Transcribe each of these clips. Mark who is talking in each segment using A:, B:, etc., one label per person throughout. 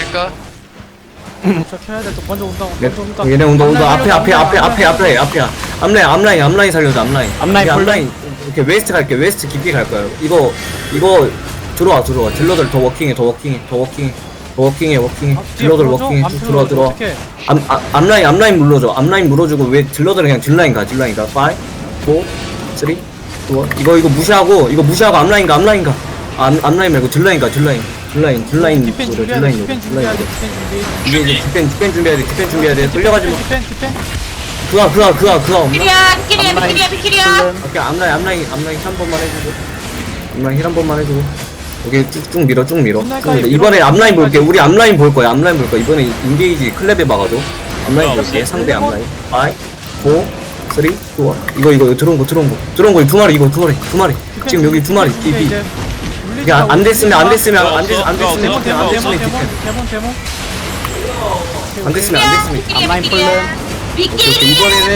A: 될까?
B: 도착해야 돼. 또 먼저 온다. 먼저 온다.
C: 얘네 온다. 앞에. 앞라인 살려줘, 앞라인. 앞라인. 이렇게 웨스트 갈게. 웨스트 깊게 갈 거야. 이거 들어와. 딜러들 더 워킹해. 딜러들 워킹해. 들어와. 앞라인 물러줘. 앞라인 물어주고 왜 딜러들 그냥 딜라인 가. 5, 4, 3, 2, 1. 이거 무시하고 앞라인 가. 앞라인 말고 딜라인 가. 딜라인.
B: 디펜 준비해야 돼. 디펜 준비해야 돼.
C: 이제 디펜 준비해야 돼. 끌려가지 마.
B: 디펜.
C: 그가 없나?
D: 비키리야.
C: 오케이, 앞라인 한 번만 해주고. 앞라인 힐한 번만 해주고. 오케이, 쭉 밀어. 이번에 앞라인 볼게. 우리 앞라인 볼 거야. 이번에 인게이지 클랩에 막아줘. 앞라인 볼게. 상대 앞라인. 5, 4, 3, 2, 1. 이거 들어온 거. 두 마리. 지금 여기 두 마리. DB. 그냥 안 됐으면 디펜.
D: 앞라인
C: 오케이,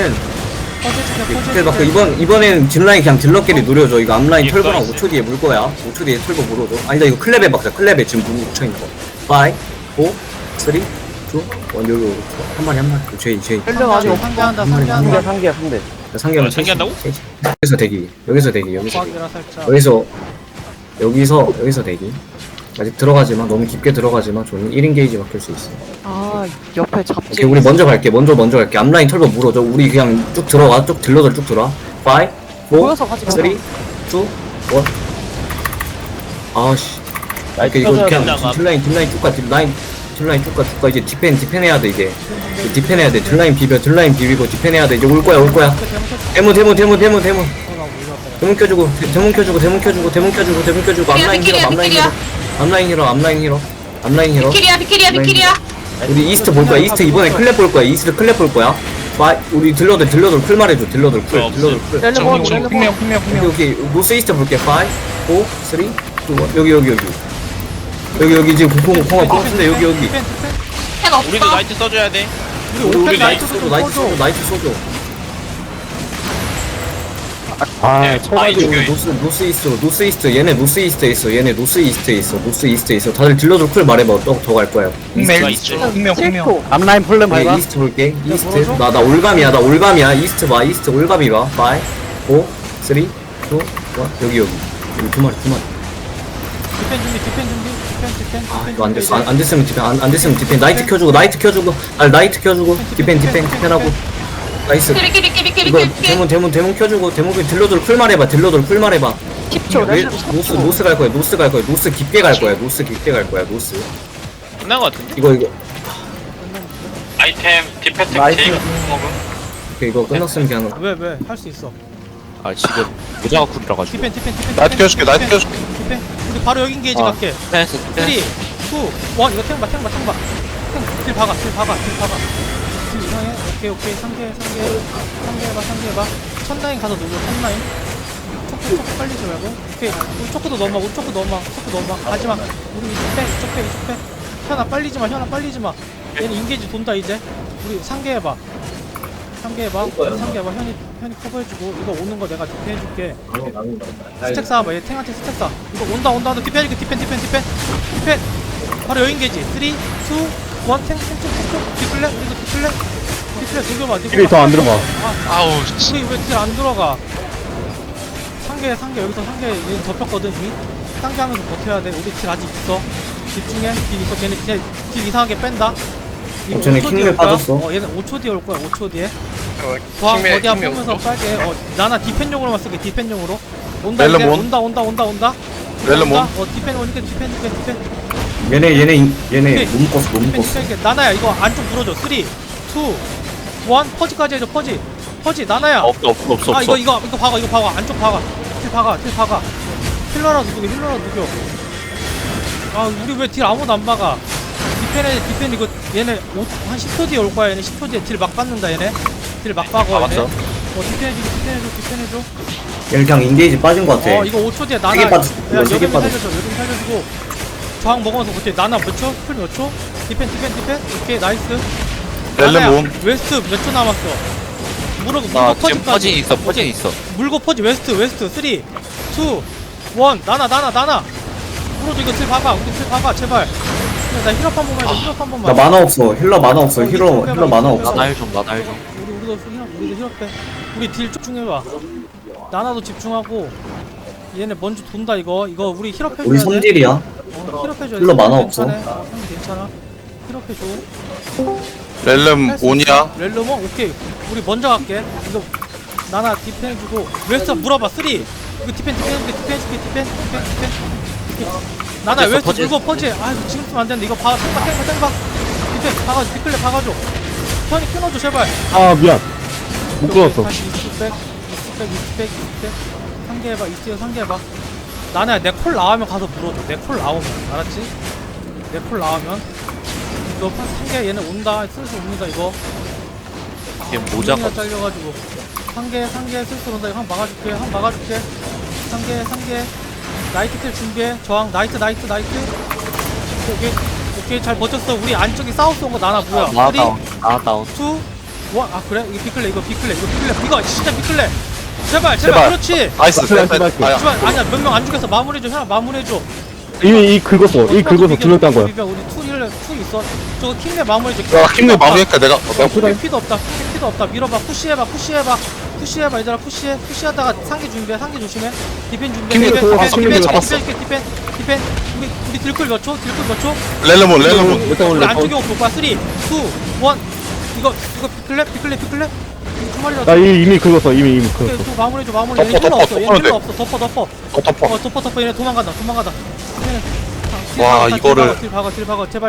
C: 이번에는 딜라인 그냥 딜러끼리 노려줘. 이거 앞라인 털고랑 5초 뒤에 물 거야. 5초 뒤에 털고 물어줘. 아니다, 이거 클랩에 박자. 클랩에 지금 물 묻혀있는 거. 5, 4, 3, 2, 1. 여기 한 마리. 제이.
B: 헬령 아직 상대한다.
C: 상계하면
A: 상계한다고?
C: 여기서 대기.
B: 고학이라 살짝.
C: 여기서 대기. 아직 들어가지마. 너무 깊게 들어가지마. 저는 1인 게이지 막힐 수 있어.
E: 아 옆에 잡지.
C: 오케이, 우리 먼저 갈게. 앞라인 털고 물어줘. 우리 그냥 쭉 들어가. 딜러들 쭉 들어와. 5, 4,
E: 모여서 같이
C: 3, 2, 1. 아씨. 이거 그냥 딜라인 쭉 가. 딜라인 쭉 가. 이제 디펜 해야 돼, 이제. 디펜 해야 돼. 딜라인 비비고 디펜 해야 돼. 이제 올 거야. 데몬 켜주고. 앞라인 힐러.
D: 비키리야.
C: 우리 이스트 볼 거야. 이번에 클랩 볼 거야. 우리 딜러들 쿨 말해줘. 딜러들 쿨. 오케이. 노스 이스트 볼게. 5, 4, 3, 2, 1. 여기 지금 공화 보는데 여기.
D: 펜 없어.
A: 우리도 나이트 써줘야 돼.
B: 우리
C: 나이트 쏘줘. 노스 이스트. 얘네 노스 이스트에 있어. 다들 딜러들 쿨 말해봐. 더 갈 거야.
E: 힐코.
F: 앞라인 풀름
C: 오케이,
F: 밟아.
C: 이스트 볼게. 나 올감이야. 이스트 봐. 올감이 봐. 5, 4, 3, 2, 1. 여기 두 마리.
B: 디펜 준비.
C: 이거 안 됐으면 디펜. 나이트 켜주고. 디펜하고. 나이스. 이거 데몬 켜주고. 딜러들 쿨 말해봐.
E: 10초.
C: 노스 갈 거야. 노스 깊게 갈 거야.
A: 끝난 거 같은데?
C: 이거.
A: 아이템 디펜트
F: 나이스.
A: 제이가
C: 오케이, 이거 끝났으면 그냥.
B: 왜? 할 수 있어.
A: 아 지금 모자가 쿨이라 가지고.
B: 디펜.
A: 나이트 켜줄게.
B: 디펜. 우리 바로 여기 인게이지 갈게. 3, 2, 1. 이거 탱 봐. 딜 박아. 딜 이상해. 오케이. 상계 해봐. 첫라인 가서 누구? 첫라인. 초코 빨리지 말고. 오케이. 우리 초코도 넣어봐. 가지마. 우리 이쪽 빼. 현아 빨리지 마. 얘는 인게이지 돈다 이제. 우리 상계해봐. 현이 커버해주고. 이거 오는 거 내가 디펜해줄게. 스택 쌓아봐. 얘 탱한테 스택 쌓아. 이거 온다. 디펜. 바로 여인 게지. 3, 2, 1. 탱. 디플레. 들려봐.
F: 힐이 더 안 들어가.
A: 아우
B: 우리 왜 딜 안 들어가? 상계 여기서 얘 덮였거든 이미. 상계하면서 버텨야 돼. 우리 딜 아직 있어. 집중해. 딜 있어. 걔네 딜 이상하게 뺀다.
C: 쟤네 킹맨 빠졌어.
B: 얘는 5초 뒤에 올 거야. 5초 뒤에. 과학 어디야 보면서 빨게. 나나 디펜용으로만 쓸게. 디펜용으로. 온다. 이제. 온다.
A: 렐레몬.
B: 디펜 오니까 디펜.
C: 얘네 못 묶었어.
B: 디펜. 나나야 이거 안쪽 물어줘. 3, 2, 1. 퍼지까지 해줘. 퍼지. 나나야.
A: 없어.
B: 이거 박아. 안쪽 박아. 딜 박아. 힐러라도 누겨. 우리 왜 딜 아무도 안 박아? 디펜 이거 얘네 한 10초 뒤에 올 거야. 얘네 10초 뒤에 딜 막 받는다. 얘네 딜 막 박아. 얘네. 디펜해줘.
C: 얘는 그냥 인게이지 빠진 거 같아.
B: 이거 5초 뒤에 나나.
C: 세개 빠졌어.
B: 야,
C: 세개
B: 여기 살려주고. 저항 먹으면서 버텨. 나나 몇 초? 풀 몇 초? 디펜. 오케이 나이스.
A: 렐레몬.
B: 웨스트 몇 초 남았어? 물고 퍼지까지.
A: 있어.
B: 물고 퍼지 웨스트 3, 2, 1. 나나. 물어줘. 이거 딜 박아. 우리 딜 박아 제발. 나 힐업 한 번만 해줘. 힐업 한 번만.
C: 나 만화 없어. 힐러 만화 없어. 힐러 만화 없어.
B: 우리도 힐업 해. 우리 딜 집중해봐. 나나도 집중하고. 얘네 먼저 돈다 이거. 이거 우리 힐업 해줘야 돼.
C: 우리 선딜이야.
B: 힐업 해줘야 돼.
C: 힐러 만화 없어.
B: 괜찮아. 괜찮아. 힐업 해줘.
A: 렐름 온이야.
B: 렐로몬 오케이. 우리 먼저 갈게. 이거 나나 디펜 해주고 웨스트 물어봐. 3 이거 디펜 해줄게. 나나 웨스트 물고 퍼지. 아 이거 지금 쓰면 안 되는데 이거 봐. 탱봐. 디펜 박아줘. 뒷글레 박아줘. 턴이 끊어줘 제발.
F: 아 미안 못 끊었어.
B: 다시 이스백. 상계해봐. 이스요 상계해봐. 나나야 내 콜 나오면 가서 물어줘. 내 콜 나오면 알았지? 내 콜 나오면 이거 상계 얘네 온다. 슬슬 옵니다 이거.
G: 이게 모자가
B: 잘려가지고 상계 슬슬 온다. 이거 한 막아줄게. 상계 나이트 킬 준비해. 저항 나이트 오케이 잘 버텼어. 우리 안쪽에 사우스 온 거 나나 뭐야. 3 2 1 아 그래? 이거 비클레 이거 진짜 비클레. 제발 그렇지.
A: 나이스. 아야.
B: 하지만 아니야 몇 명 안 죽여서 마무리해줘. 현아 마무리해줘.
F: 이미 긁었어 두명 딴 거야.
B: 우리 투 있어. 저거 킹레 마무리해줘.
A: 야 킹레 마무리할까 내가.
B: 피도 없다. 밀어봐. 푸시해봐 얘들아. 푸시하다가 상계 준비해. 상계 조심해. 디펜 준비해.
A: 킹레 잡았어. 킹레 잡았어.
B: 디펜. 우리 딜클 몇 초?
A: 렐름 온.
B: 우리 안쪽에 올 거야. 3 2 1 이거 비클레 주말이라.
F: 나 이미 긁었어 이미
B: 오케이,
F: 긁었어.
B: 또 마무리해줘.
A: 덮어,
B: 얘네 힐러 없어. 얘네
A: 덮어,
B: 힐러 없어. 덮어.
A: 덮어.
B: 덮어. 얘네 도망간다. 얘네
A: 와, 이거를.
B: 딜 박아. 제발.